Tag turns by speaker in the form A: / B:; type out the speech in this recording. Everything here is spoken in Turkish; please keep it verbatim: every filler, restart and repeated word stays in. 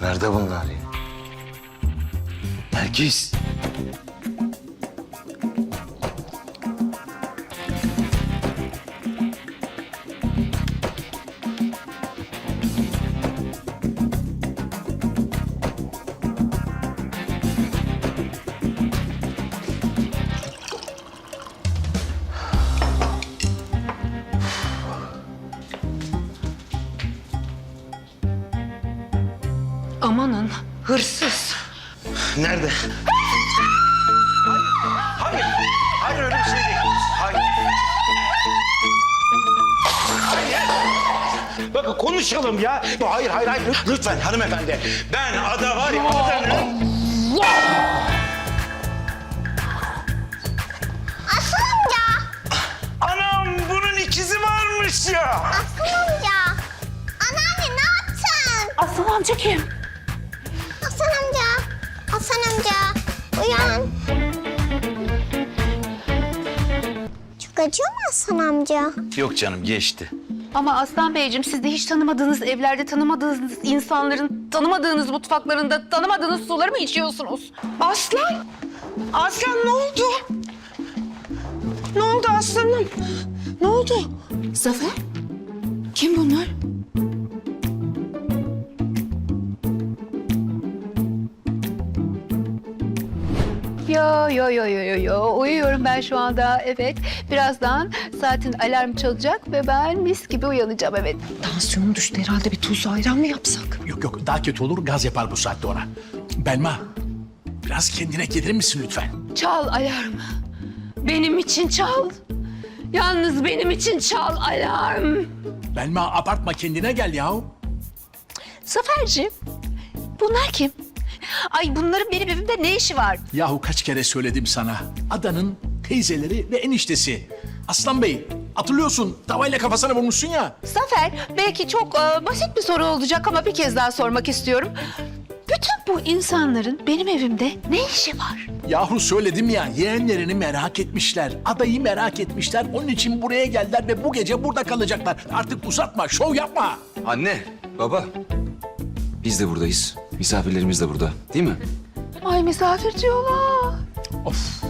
A: Nerede bunlar ya? Nergis.
B: Amanın hırsız.
A: Nerede? Hayır, hayır, hayır öyle bir şey değil. Hayır. Hayır. Bakın konuşalım ya. Hayır, hayır, hayır. Lütfen hanımefendi. Ben ada var ya, adanın...
C: Aslan amca.
A: Anam bunun ikizi varmış ya.
C: Aslan amca. Anneanne ne yaptın?
B: Aslan amca kim?
C: Aslan amca. Aslan amca. Uyan. Çok acıyor mu Aslan amca?
A: Yok canım geçti.
B: Ama Aslan Beyciğim siz de hiç tanımadığınız evlerde, tanımadığınız insanların, tanımadığınız mutfaklarında, tanımadığınız suları mı içiyorsunuz?
D: Aslan! Aslan ne oldu? Ne oldu aslanım? Ne oldu?
B: Zafer? Kim bunlar? Yo yo yo yo yo yo uyuyorum ben şu anda, evet. Birazdan saatin alarm çalacak ve ben mis gibi uyanacağım, evet.
D: Tansiyonum düştü herhalde, bir tuzlu ayran mı yapsak?
E: Yok yok daha kötü olur, gaz yapar bu saatte ona. Belma, biraz kendine gelir misin lütfen?
B: Çal alarm. Benim için çal. Yalnız benim için çal alarm.
E: Belma abartma, kendine gel yahu.
B: Zaferciğim, bunlar kim? Ay bunların benim evimde ne işi var?
E: Yahu kaç kere söyledim sana. Adanın teyzeleri ve eniştesi. Aslan Bey, hatırlıyorsun tavayla kafasına vurmuşsun ya.
B: Zafer, belki çok e, basit bir soru olacak ama bir kez daha sormak istiyorum. Bütün bu insanların benim evimde ne işi var?
E: Yahu söyledim ya, yeğenlerini merak etmişler. Adayı merak etmişler. Onun için buraya geldiler ve bu gece burada kalacaklar. Artık uzatma, şov yapma.
F: Anne, baba. Biz de buradayız. Misafirlerimiz de burada, değil mi?
B: Ay misafir diyorlar.
E: Of.